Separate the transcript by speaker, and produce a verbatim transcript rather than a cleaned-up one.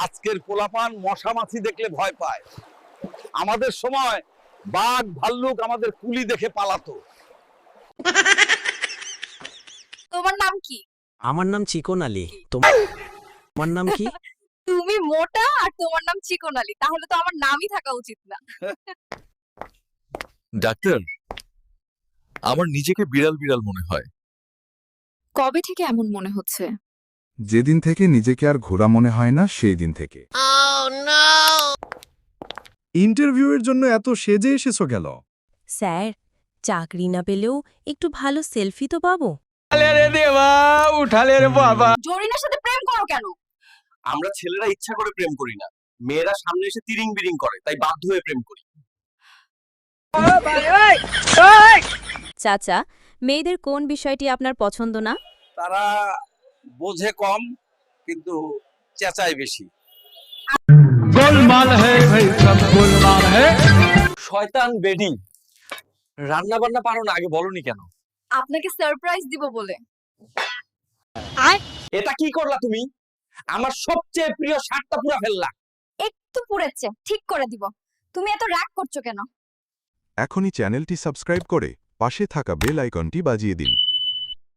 Speaker 1: আজকের পোলাপান মশা মাছি দেখলে ভয় পায়। আমাদের সময় বাঘ ভাল্লুক আমাদের কুলি দেখে পালাতো।
Speaker 2: তোমার নাম কি?
Speaker 3: আমার নাম চিকন আলী। তোমার তোমার নাম কি?
Speaker 2: তুমি মোটা আর তোমার নাম চিকন আলী, তাহলে তো আমার নামই থাকা উচিত না।
Speaker 4: ডাক্তার, আমার নিজেকে বিড়াল বিড়াল মনে হয়।
Speaker 2: কবে থেকে এমন মনে হচ্ছে?
Speaker 5: যেদিন থেকে নিজেকে আর ঘোড়া মনে হয় না সেই দিন থেকে। ইন্টারভিউয়ের জন্য এত সেজে এসেছো কেন?
Speaker 6: স্যার, চাকরি না পেলেও একটু ভালো সেলফি তো পাবো।
Speaker 2: জরিনার সাথে প্রেম করো কেন?
Speaker 1: আমরা ছেলেরা ইচ্ছা করে প্রেম করি না, মেয়েরা সামনে এসে তিরিং বিরিং করে, তাই বাধ্য হয়ে প্রেম করি।
Speaker 6: চাচা, মেয়েদের কোন বিষয়টি আপনার পছন্দ না?
Speaker 1: তারা বোঝে কম কিন্তু চেঁচায় বেশি। শয়তান বেডি, রান্না বান্না পারো না, আগে বলনি কেন?
Speaker 2: আপনাকে সারপ্রাইজ দিব বলে।
Speaker 1: এটা কি করলা তুমি? আমার সবচেয়ে প্রিয় শার্টটা পুরা ফেললা।
Speaker 2: একটু পুড়েছে, ঠিক করে দিব। তুমি এত রাগ করছো কেন?
Speaker 5: এখনই চ্যানেলটি সাবস্ক্রাইব করে পাশে থাকা বেল আইকনটি বাজিয়ে দিন।